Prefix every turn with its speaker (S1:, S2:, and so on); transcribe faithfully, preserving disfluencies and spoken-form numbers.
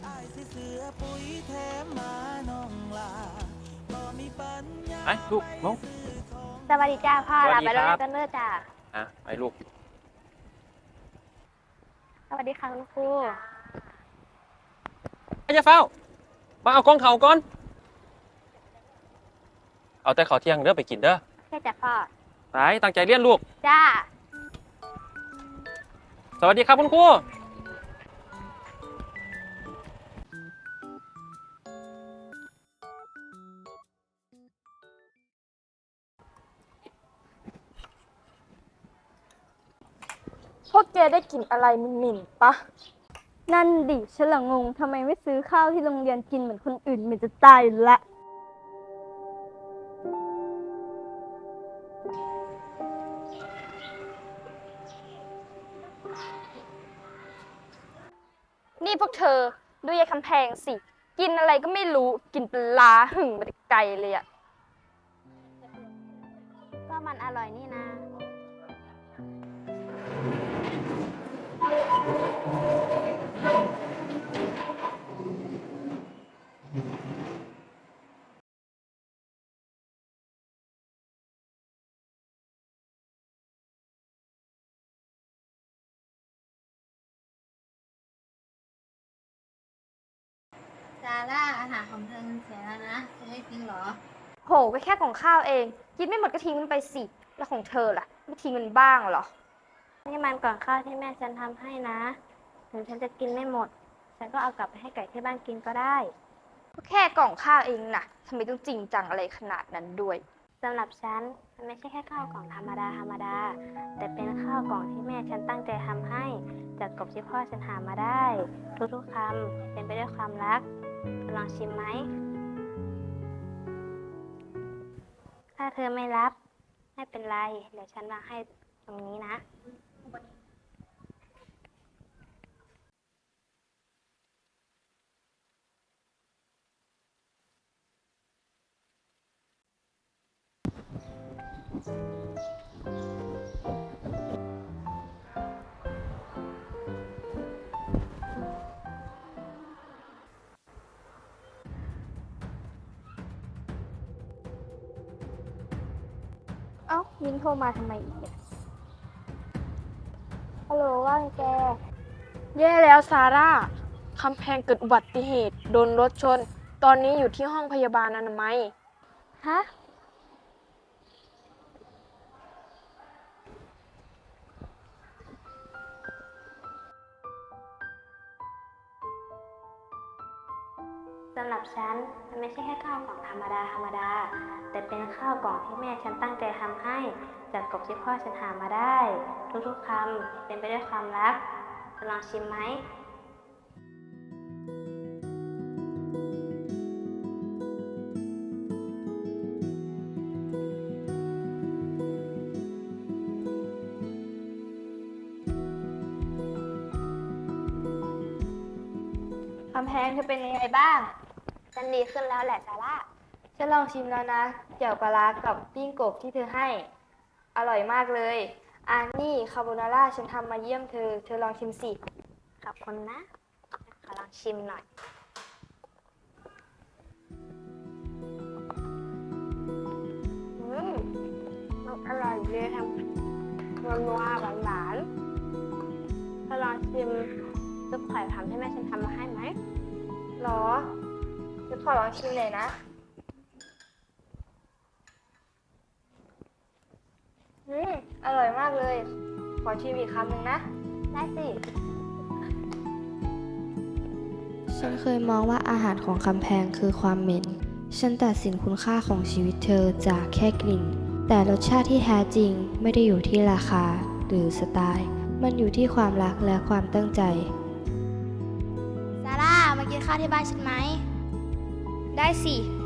S1: ไอ้ลูกลง
S2: สวัสดีจ้าพ่อ
S1: สวั
S2: ลา
S1: สดี
S2: ไป
S1: ค
S2: แล้ว
S1: รับ
S2: กันเด้อจ้า
S1: อ่ะไปลูก
S2: สวัสดีค่ะคุณครู
S1: ไอ้เจ้าเฝ้ามาเอากล้องเขาก่อน เอาแต่ขอเที่ยงเด้อไปกินเด้อ
S2: แค่จ้าพ่อ
S1: ไปตั้งใจเรียนลูก
S2: จ้า
S1: สวัสดีครับคุณครู
S3: พวกแกได้กลิ่นอะไรเหม็นๆปะนั่นดิฉันละงงทำไมไม่ซื้อข้าวที่โรงเรียนกินเหมือนคนอื่นเหม็นจะตายอยู่ละนี่พวกเธอดูยายคำแพงสิ กินอะไรก็ไม่รู้กินปลาหึ่งมาแต่ไกลเลยอะ
S2: ก็มันอร่อยนี่นะ
S4: ซาร่าอาหารของเธอมันเสียแล้วนะจะไม่ทิ้งเหรอ
S3: โหก็แค่ของข้าวเอง กินไม่หมดก็ทิ้งมันไปสิ แล้วของเธอล่ะ ไม่ทิ้งมันบ้างเหรอ
S2: นี่มันก่อนข้าวที่แม่ฉันทำให้นะ ถึงฉันจะกินไม่หมด ฉันก็เอากลับไปให้ไก่ที่บ้านกินก็ได้
S3: ก็แค่กล่องข้าวเองนะทำไมต้องจริงจังอะไรขนาดนั้นด้วย
S2: สำหรับฉันมันไม่ใช่แค่ข้าวกล่องธรรมดาธรรมดา แต่เป็นข้าวกล่องที่แม่ฉันตั้งใจทำให้ จากกบที่พ่อฉันหามาได้ ทุกๆคำเป็นไปด้วยความรัก ลองชิมไหม ถ้าเธอไม่รับ ไม่เป็นไร เดี๋ยวฉันวางให้ตรงนี้นะ
S3: เอ้ามินโทรมาทำไมอีกเนี่ย
S2: ฮัลโหลว่าไงแก
S3: แย่แล้วซาร่า คำแพงเกิดอุบัติเหตุ โดนรถชน ตอนนี้อยู่ที่ห้องพยาบาลอนามัย
S2: ฮะ สำหรับฉันมันไม่ใช่แค่ข้าวกล่องธรรมดาธรรมดา แต่เป็นข้าวกล่องที่แม่ฉันตั้งใจทำให้ จากกบที่พ่อฉันหามาได้ ทุกๆคำเป็นไปด้วยความรักจะลองชิมไหม
S3: คำแพงเธอเป็นยังไงบ้าง
S2: ฉันดีขึ้นแล้วแหละซาร่า
S3: ฉันลองชิมแล้วนะเกี่ยวปลาร้ากับปิ้งกบที่เธอให้ อร่อยมากเลยอันนี่คาโบนาร่าฉันทำมาเยี่ยมเธอ เธอลองชิมสิ
S2: ขอบคุณนะ ขอลองชิมหน่อย
S3: อืมอร่อยเลยทำนัวนัวหวานหวานๆเธอลองชิมซุปไข่ผำที่แม่ฉันทำมาให้ไหมหรอจะขอลองชิมเลยนะ อืมอร่อยมากเลย ขอชิมอีกคำหนึ่งนะ
S2: ได้สิ
S5: ฉันเคยมองว่าอาหารของคำแพงคือความเหม็น ฉันตัดสินคุณค่าของชีวิตเธอจากแค่กลิ่น แต่รสชาติที่แท้จริงไม่ได้อยู่ที่ราคาหรือสไตล์ มันอยู่ที่ความรักและความตั้งใจ
S2: ซาร่า มากินข้าวที่บ้านฉันไหม
S3: ได้สิ